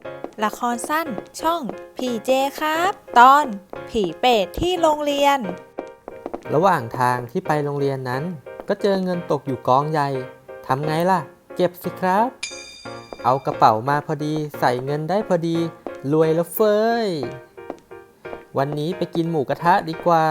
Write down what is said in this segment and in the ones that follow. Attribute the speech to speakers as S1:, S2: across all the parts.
S1: ละครสั้นช่องผีเจครับ ตอนผีเปรตที่โรงเรียน
S2: ระหว่างทางที่ไปโรงเรียนนั้นก็เจอเงินตกอยู่กองใหญ่ทำไงล่ะเก็บสิครับเอากระเป๋ามาพอดีใส่เงินได้พอดีรวยแล้วเฟ้ยวันนี้ไปกินหมูกระทะดีกว่า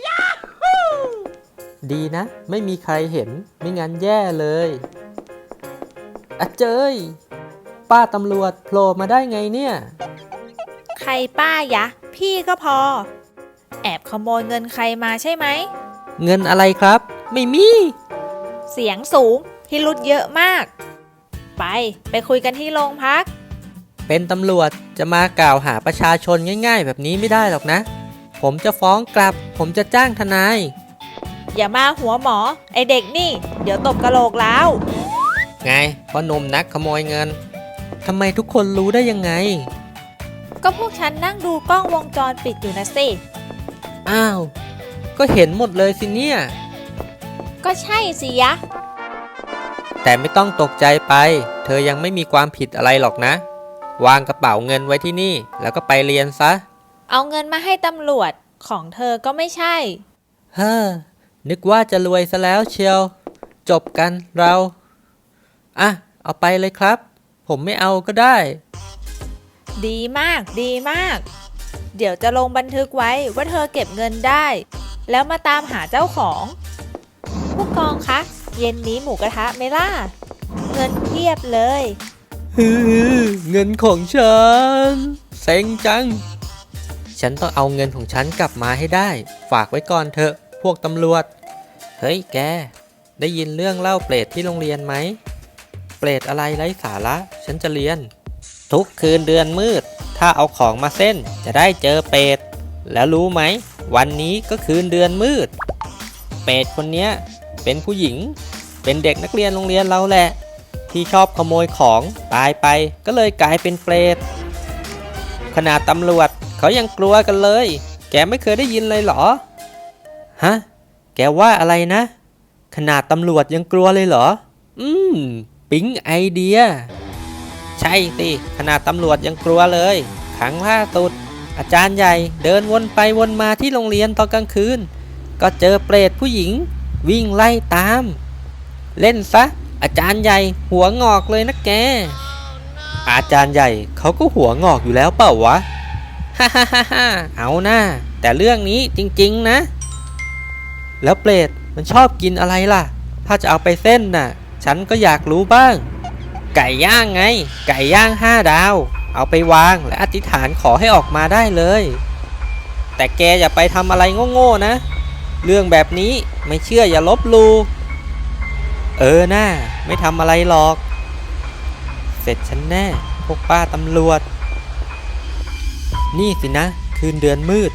S2: ดีนะไม่มีใครเห็นไม่งั้นแย่เลยอะเจยป้าตำรวจโผล่มาได้ไงเนี่ย
S1: ใครป้ายะ พี่ก็พอ แอบขโมยเงินใครมาใช่ไหม
S2: เงินอะไรครับไม่มี
S1: เสียงสูงพิรุธเยอะมาก ไปคุยกันที่โรงพัก
S2: เป็นตำรวจจะมากล่าวหาประชาชนง่ายๆแบบนี้ไม่ได้หรอกนะ ผมจะฟ้องกลับผมจะจ้างทนาย
S1: อย่ามาหัวหมอไอเด็กนี่ เดี๋ยวตบกะโหลกแล้ว
S2: ไงพ่อหนุ่มนักขโมยเงินทำไมทุกคนรู้ได้ยังไง
S1: ก็พวกฉันนั่งดูกล้องวงจรปิดอยู่นะสิ
S2: อ้าวก็เห็นหมดเลยสิเนี่ย
S1: ก็ใช่สิยะ
S2: แต่ไม่ต้องตกใจไปเธอยังไม่มีความผิดอะไรหรอกนะ วางกระเป๋าเงินไว้ที่นี่แล้วก็ไปเรียนซะ
S1: เอาเงินมาให้ตำรวจของเธอก็ไม่ใช่
S2: เฮ้อนึกว่าจะรวยซะแล้วเชียวจบกันเราอ่ะเอาไปเลยครับ ผมไม่เอาก็ได้
S1: ดีมากดีมาก เดี๋ยวจะลงบันทึกไว้ว่าเธอเก็บเงินได้ แล้วมาตามหาเจ้าของ ผู้กองคะเย็นนี้หมูกระทะไหมล่ะ เงินเพียบเลย
S2: เงินของฉันเซ็งจัง ฉันต้องเอาเงินของฉันกลับมาให้ได้ ฝากไว้ก่อนเถอะพวกตำรวจ เฮ้ยแก ได้ยินเรื่องเล่าเปรตที่โรงเรียนไหม เปรตอะไรไร้สาระฉันจะเรียน ทุกคืนเดือนมืด ถ้าเอาของมาเส้นจะได้เจอเปรตแล้วรู้ไหม วันนี้ก็คืนเดือนมืด เปรตคนเนี้ยเป็นผู้หญิง เป็นเด็กนักเรียนโรงเรียนเราแหละ ที่ชอบขโมยของตายไปก็เลยกลายเป็นเปรตขนาดตำรวจเขายังกลัวกันเลย แกไม่เคยได้ยินเลยเหรอฮะแกว่าอะไรนะขนาดตำรวจยังกลัวเลยเหรอปิ๊งไอเดียใช่สิขนาดตำรวจยังกลัวเลยครั้งล่าสุดอาจารย์ใหญ่เดินวนไปวนมาที่โรงเรียนตอนกลางคืนก็เจอเปรตผู้หญิงวิ่งไล่ตามเล่นซะอาจารย์ใหญ่หัวงอกเลยนะแกอาจารย์ใหญ่เขาก็หัวงอกอยู่แล้วเปล่าวะฮ่าฮ่าฮ่าฮ่าเอาหน้าแต่เรื่องนี้จริงๆนะแล้วเปรตมันชอบกินอะไรล่ะถ้าจะเอาไปเส้นน่ะฉันก็อยากรู้บ้างไก่ย่างไงไก่ย่าง5 ดาวเอาไปวางและอธิษฐานขอให้ออกมาได้เลยแต่แกอย่าไปทำอะไรโง่ๆนะเรื่องแบบนี้ไม่เชื่ออย่าลบหลู่น่าไม่ทำอะไรหรอกเสร็จฉันแน่พวกป้าตำรวจนี่สินะคืนเดือนมืด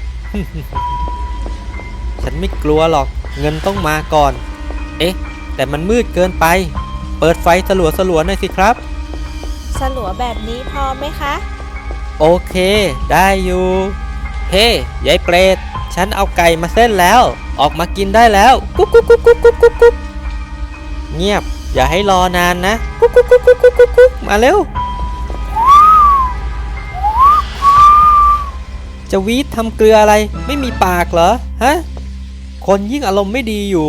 S2: ฉันไม่กลัวหรอกเงินต้องมาก่อนเอ๊ะแต่มันมืดเกินไปเปิดไฟสลัวหน่อยสิครับ
S1: สลัวแบบนี้พอไหมคะ
S2: โอเคได้อยู่เฮ้ยายเปรตฉันเอาไก่มาเส้นแล้วออกมากินได้แล้วกุ๊กกุ๊กกุ๊กกุ๊กกุ๊กกุ๊กกุ๊กเงียบอย่าให้รอนานนะกุ๊กกุ๊กกุ๊กกุ๊กกุ๊กกุ๊กมาเร็วจะวีดทำเกลืออะไรไม่มีปากเหรอฮะคนยิ่งอารมณ์ไม่ดีอยู่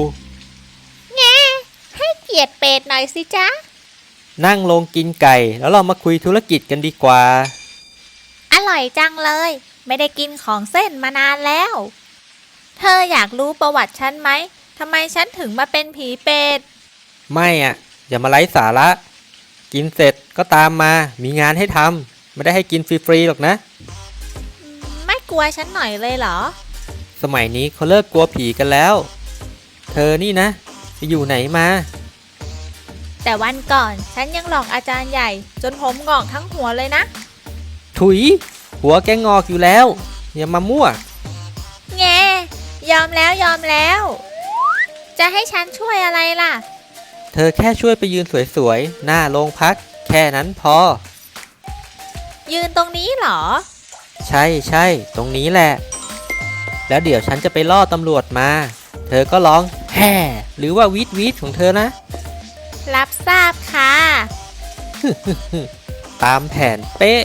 S1: ให้เกียรติเป็ดหน่อยสิจ๊ะ
S2: นั่งลงกินไก่แล้วเรามาคุยธุรกิจกันดีกว่า
S1: อร่อยจังเลย ไม่ได้กินของเส้นมานานแล้ว เธออยากรู้ประวัติฉันไหมทำไมฉันถึงมาเป็นผีเป็ด
S2: ไม่อ่ะอย่ามาไร้สาระกินเสร็จก็ตามมามีงานให้ทำไม่ได้ให้กินฟรีๆหรอกนะ
S1: ไม่กลัวฉันหน่อยเลยเหรอ
S2: สมัยนี้เขาเลิกกลัวผีกันแล้วเธอนี่นะไปอยู่ไหนมา
S1: แต่วันก่อนฉันยังหลอกอาจารย์ใหญ่จนผมงอกทั้งหัวเลยนะ
S2: ถุยหัวแกงอกอยู่แล้วอย่ามามั่ว
S1: แงยอมแล้วยอมแล้ว จะให้ฉันช่วยอะไรล่ะ
S2: เธอแค่ช่วยไปยืนสวยๆหน้าโรงพักแค่นั้นพอ
S1: ยืนตรงนี้เหรอ
S2: ใช่ตรงนี้แหละแล้วเดี๋ยวฉันจะไปล่อตำรวจมาเธอก็ร้องแห่หรือว่าวีดของเธอนะ
S1: รับทราบค่ะ
S2: ตามแผนเป๊ะ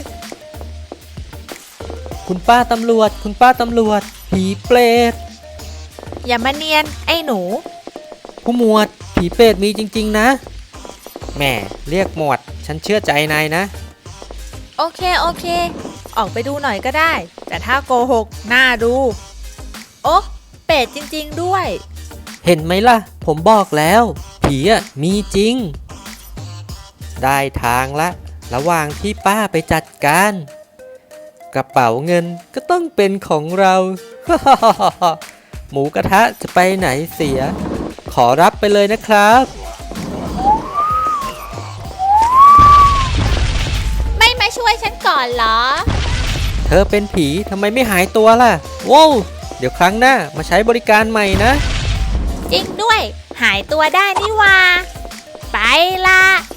S2: คุณป้าตำรวจ คุณป้าตำรวจ ผีเปรต
S1: อย่ามาเนียนไอ้หนู
S2: ผู้หมวด ผีเปรตมีจริงๆนะแหม่เรียกหมวด ฉันเชื่อใจนายนะ
S1: โอเค ออกไปดูหน่อยก็ได้ แต่ถ้าโกหกน่าดู โอ๊ะเป็ดจริงๆด้วย
S2: เห็นไหมล่ะ ผมบอกแล้ว ผีอ่ะมีจริง ได้ทางละ ระหว่างที่ป้าไปจัดการ กระเป๋าเงินก็ต้องเป็นของเรา หมูกระทะจะไปไหนเสีย ขอรับไปเลยนะครับ
S1: ไม่มาช่วยฉันก่อนเหรอ
S2: เธอเป็นผีทำไมไม่หายตัวล่ะว้าวเดี๋ยวครั้งหน้ามาใช้บริการใหม่นะ
S1: จริงด้วย หายตัวได้นี่หว่า ไปละ